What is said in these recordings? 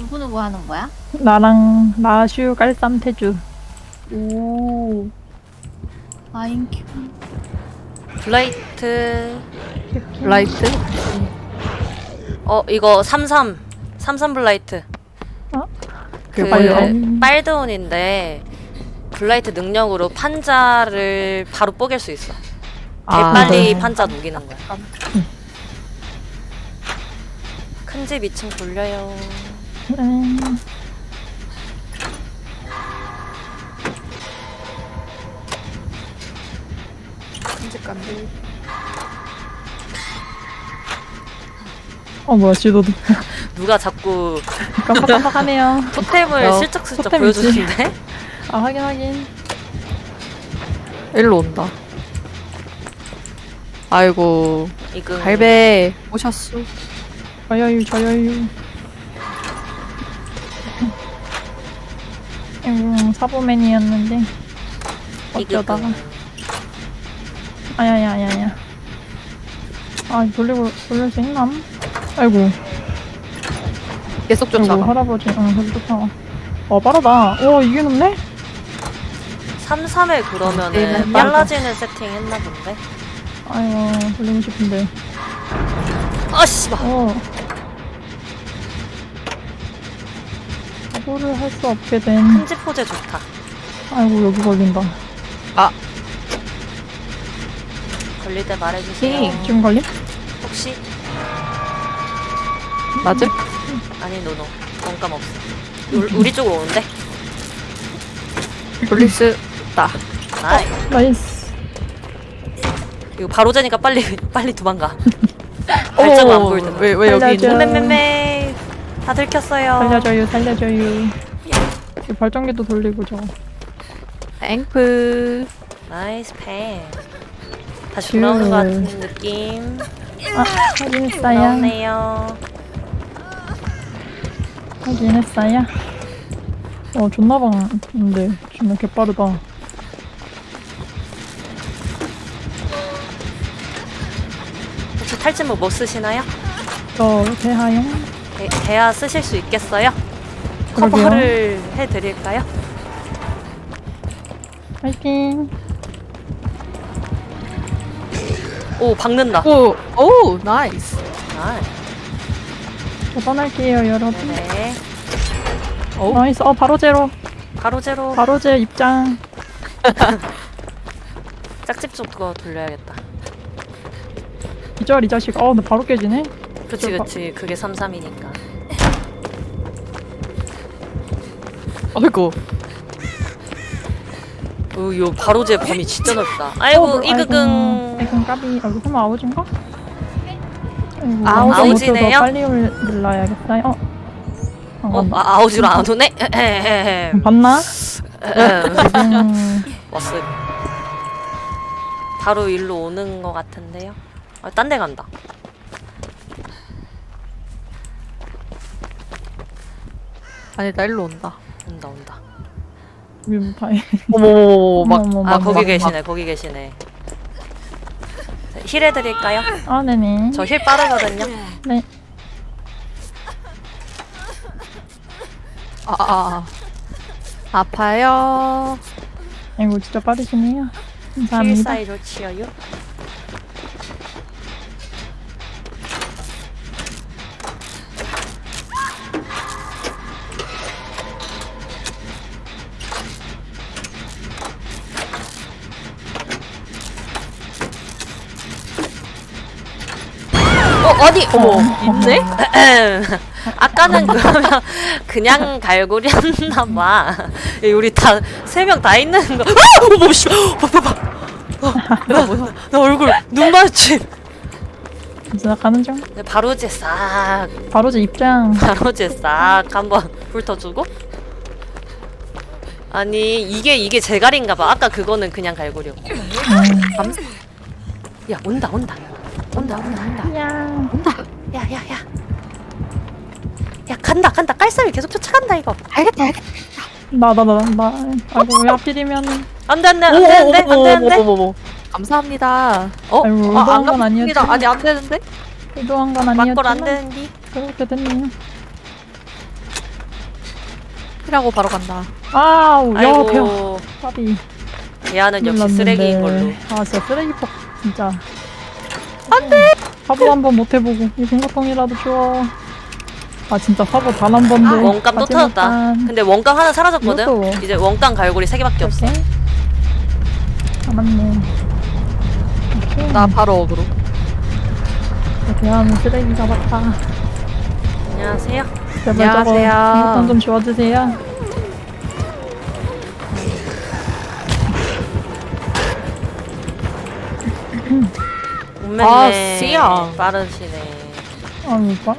누구누구 하는 거야? 나랑 라슈 깔쌈 태주. 오. 아인큐. 블라이트. 라이트? 이거 33 블라이트. 그 빨드온인데 블라이트 능력으로 판자를 바로 뽀갤 수 있어. 아. 빨리 판자 녹이는 거야. 큰 집 2층 돌려요. 큰집 간대. 뭐야 지도도 누가 자꾸 깜빡깜빡하네요. 토템을 슬쩍슬쩍 토템이지. 보여주는데? 확인. 일로 온다. 아이고. 이거 갈배 오셨어. 저여유. 사보맨이었는데 어쩌다가. 아야야야야. 돌릴 수 있나? 아이고 계속 쫓아가. 할아버지 계속 쫓아가. 빠르다. 이게 높네? 33에 그러면은 네, 빨라지는 세팅 했나 본데? 아이고 돌리고 싶은데. 아씨발. 사고를 할 수 없게 된. 큰집 포제 좋다. 아이고 여기 걸린다. 걸릴 때 말해주세요. 지금 걸림? 혹시? 맞음? 아니 노노 원감 없어. 우리 쪽으로 오는데? 돌릴 수 있다. 나이. 나이스. 이거 바로 재니까 빨리 도망가. 발자국 안 보일 텐데. 왜 여기 살려줘. 있는? 맴맴맴 다 들켰어요. 살려줘요. 이 발전기도 돌리고 저거. 앵프. 나이스 팬. 다시 돌아오는 것 같은 느낌. 확인했어요. 돌아오네요. 확인했어요. 존나 방인데 정말 개빠르다. 혹시 탈진목 뭐 쓰시나요? 저 대하용. 대야 쓰실 수 있겠어요? 그러게요. 커버를 해드릴까요? 파이팅. 오 박는다. 오 나이스. 아, 저 떠날게요 여러분. 네네. 나이스. 바로 제로. 바로 제로. 바로 제 입장. 짝집 쪽 그거 돌려야겠다. 이 자식. 근데 바로 깨지네. 그치 그게 33이니까. 아이고. 요 바로 제 범위 진짜 넓다. 아이고 이그긍. 아이고 까비. 설마 아우진가? 아우지네요? 빨리 눌러야겠어요. 아우지로 안 오네? 봤나? 왔어. 바로 일로 오는 거 같은데요? 딴 데 간다. 아니 나 일로 온다. 온다. 어머머머 막. 거기 계시네. 힐 해드릴까요? 네네. 저 힐 빠르거든요. 네. 아파요. 아이고 진짜 빠르시네요. 힐 감사합니다. 사이 좋지요. 아니! 있네? 아까는 그러면 그냥 갈고리 했나봐. 우리 다, 3명 다 있는 거. 어머, 씨! 나 얼굴, 눈 마주침! 진짜 가는 중. 바로 제 싹, 바로 제 입장. 바로 제 싹 한번 훑어주고. 아니, 이게 제갈인가봐. 아까 그거는 그냥 갈고리였고. 야, 온다. 야. 야, 간다. 깔쌈이 계속 쫓아간다, 이거. 알겠다. 나. 아이고 왜 하필이면. 안 돼. 어머머머머. 감사합니다. 아이고, 의도한 건 감사합니다. 아니었지. 아니 안 되는데? 의도한 건 아니었지만. 막걸 안 되는디? 그렇게 됐네요. 힐하고 바로 간다. 아우, 야, 배워. 아이고 까비. 대안은 역시 몰랐는데. 쓰레기인 걸로. 아, 진짜 쓰레기 퍽, 진짜. 안 돼! 화보 한 번 못 해보고. 이 생각통이라도 줘. 아, 진짜 화보 단 한 번도. 원감 또 터졌다. 근데 원감 하나 사라졌거든? 이것도. 이제 원감 갈고리 3개밖에 없어. 이렇게. 아, 맞네. 이렇게. 나 바로 어그로. 대하는 쓰레기가 맞다. 안녕하세요. 제발 저거 안녕하세요. 생각통 좀 지워주세요. 운매매 아, 씨야. 빠르시네. 아유, 봐.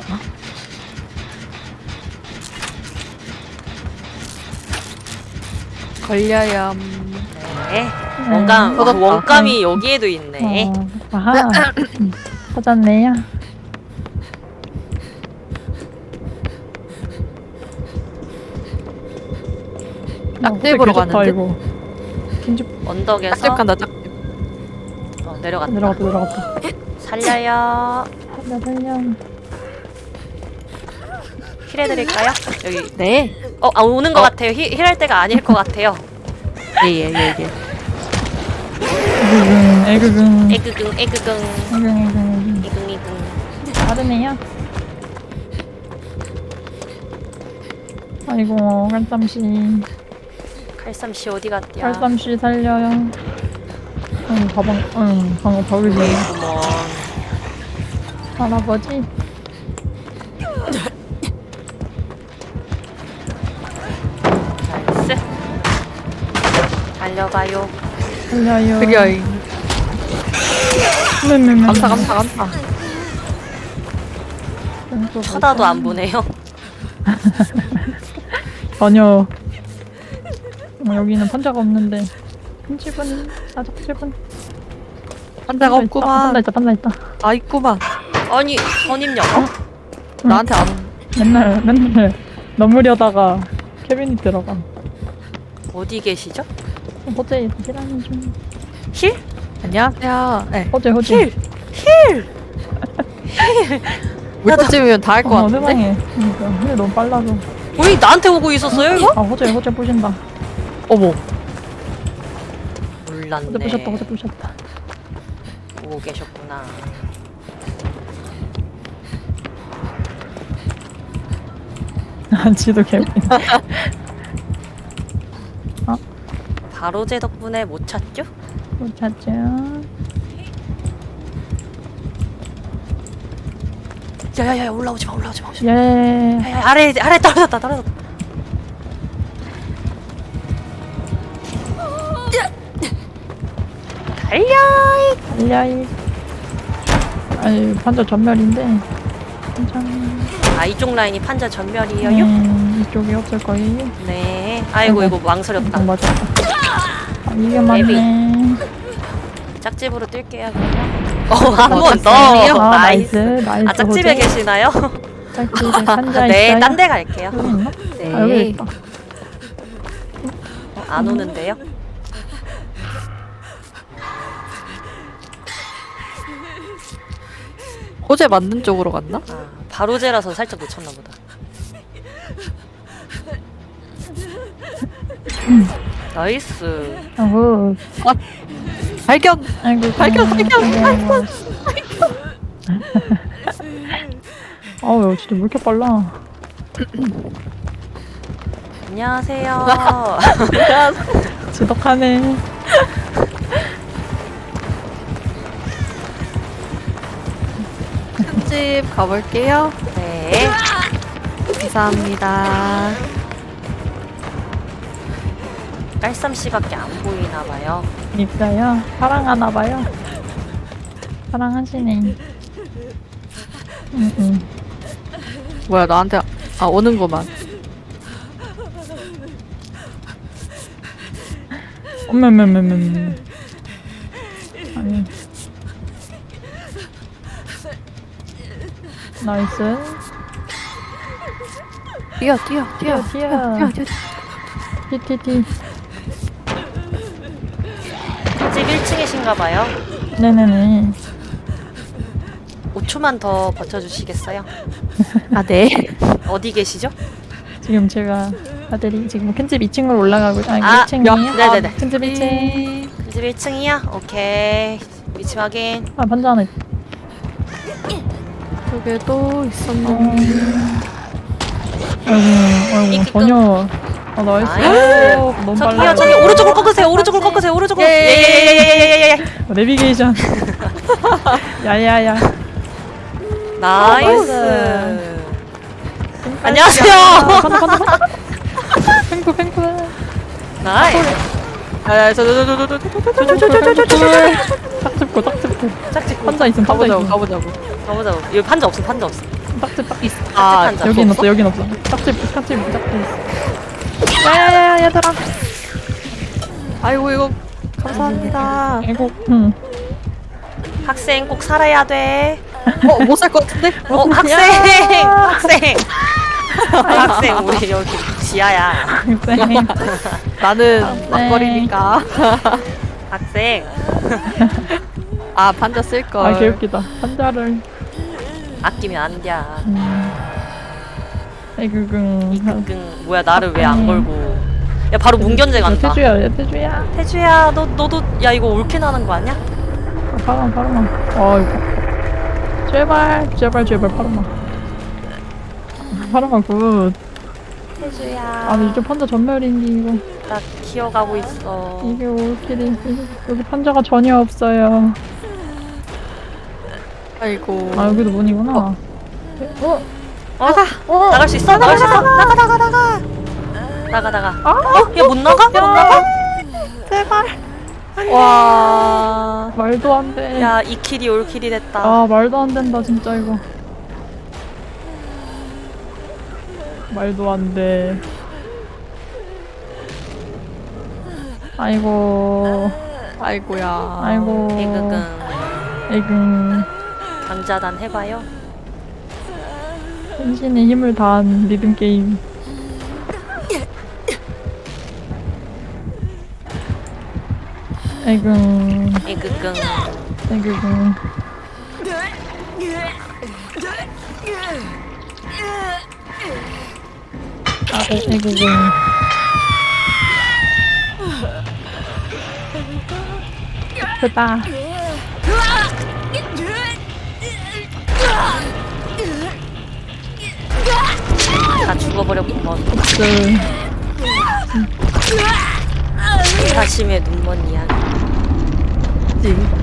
걸려요. 네. 원감, 터졌다. 원감이 여기에도 있네. 아하. 터졌네요. 짝집 보러 가는데? 이거. 김치 언덕에서 짝집 간다, 짝집. 내려갔다. 내려갔다. 살려요. 살려. 힐해드릴까요? 여기. 네. 오는 것 같아요. 힐할 때가 아닐 것 같아요. 예. 애그근. 에그긍, 에그긍, 애그근. 이긍. 다르네요. 아이고, 깔쌈씨. 칼쌈씨 어디 갔냐? 깔쌈씨 살려요. 방금 버리지. 어머. 할아버지. 나이스. 달려가요. 살려요. 그려잉. 감사. 쳐다도 안 보네요. 전혀. 여기는 판자가 없는데. 흠집은 아적집은 판자가 없구만. 판자 있다. 아, 있구만. 아니, 선임력. 나한테 안 온. 맨날 넘으려다가 캐비닛 들어가. 어디 계시죠? 호재 힐하는 중. 힐? 안녕하세요. 네. 호재. 힐! 물터쯤이면 다 할 것 같은데? 세상에. 그러니까 근데 너무 빨라서. 왜 나한테 오고 있었어요, 이거? 아 호재 부신다. 어머. 몰랐네. 호재 부셨다. 오고 계셨구나. 지도 캐비. 바로 제 덕분에 못 찾죠? 못 찾죠. 야야야 올라오지 마. 예. 야야 아래 떨어졌다. 달려. 아니 판자 전멸인데. 괜찮아. 이쪽 라인이 판자 전멸이에요. 이쪽이 없을 거예요. 네. 아이고 이거 망설였다. 맞았다. 이게 맞네. 짝집으로 뛸게요. 한 번 더. 나이스. 짝집에 계시나요? 짝집에 판자 네, 있어요? 딴 데 갈게요. 여기 있나? 네. 여기 있다. 안 오는데요? 호재 맞는 쪽으로 갔나? 바로 제라서 살짝 놓쳤나 보다. 나이스. 어후. 발견! 아이고. 발견! 아우, 진짜 왜 이렇게 빨라? 안녕하세요. 지독하네. 집 가볼게요. 네. 감사합니다. 깔쌈 씨밖에 안 보이나 봐요. 있어요. 사랑하나 봐요. 사랑하시네. 뭐야, 나한테, 오는구만. 엄매매매매. 아니. 나이스. 뛰어. 티티티. 집 1층이신가 봐요. 네네네. 5초만 더 버텨주시겠어요? 네. 어디 계시죠? 지금 제가 아들이 지금 큰집 2층으로 올라가고 아니 아, 1층이에요? 네네네. 큰집 1층. 집 1층이야? 오케이. 위치 확인. 아 판자 하나 있다. 저게도 있었는데. 아이고 전혀 아 나이스. 나이스. 오, 너무 저기요, 빨라요. 저기 오른쪽으로 꺾으세요. 오른쪽으로 꺾으세요. 오른쪽으로. 예예예예예예예. 내비게이션. 야야야. 나이스. 안녕하세요. 팽구 팽구. 나이스. 아, 딱 짚고 딱 짚고. 짝짓고. 판자 있음 판자 가보자고, 있음. 가보자고. 가보자고. 여기 판자 없어. 판자 없어. 딱집 있어. 아, 판자. 여긴 없어? 없어 여긴 없어. 딱집 딱집 있어. 야야야 얘들아. 아이고, 이거 감사합니다. 아이고. 응. 학생 꼭 살아야 돼. 못 살 것 같은데? 학생. 학생. 학생 우리 여기 지하야. 쌩. 나는 막걸리니까. 학생. 아, 반자 쓸걸. 아 개웃기다. 판자를. 아끼면 안 돼. 아이고 끙. 뭐야 나를 왜 안 걸고? 야 바로 문견제 간다. 태주야 태주야. 태주야 너도 야 이거 올킬 하는 거 아니야? 파랑아. 아이고. 제발 파랑아 굿. 태주야. 아니 이제 판자 전멸인데 이거. 나 기어가고 있어. 이게 올킬이 여기 판자가 전혀 없어요. 아이고. 아 여기도 문이구나. 나갈 수 있어? 나갈 수 있어? 나가. 야 못 나가? 못 나가? 와. 말도 안 돼. 야 2킬이 올킬이 됐다. 아 말도 안 된다 진짜 이거. 말도 안 돼. 아이고. 아이고야. 아이고. 개그근 에금. 강자단 해봐요. 혼신의 힘을 다한 리듬 게임. 에금. 개그근 에금. 아, 에금. 크다. 다 죽어버렸구먼. 그 사심의 눈먼 이야기. 지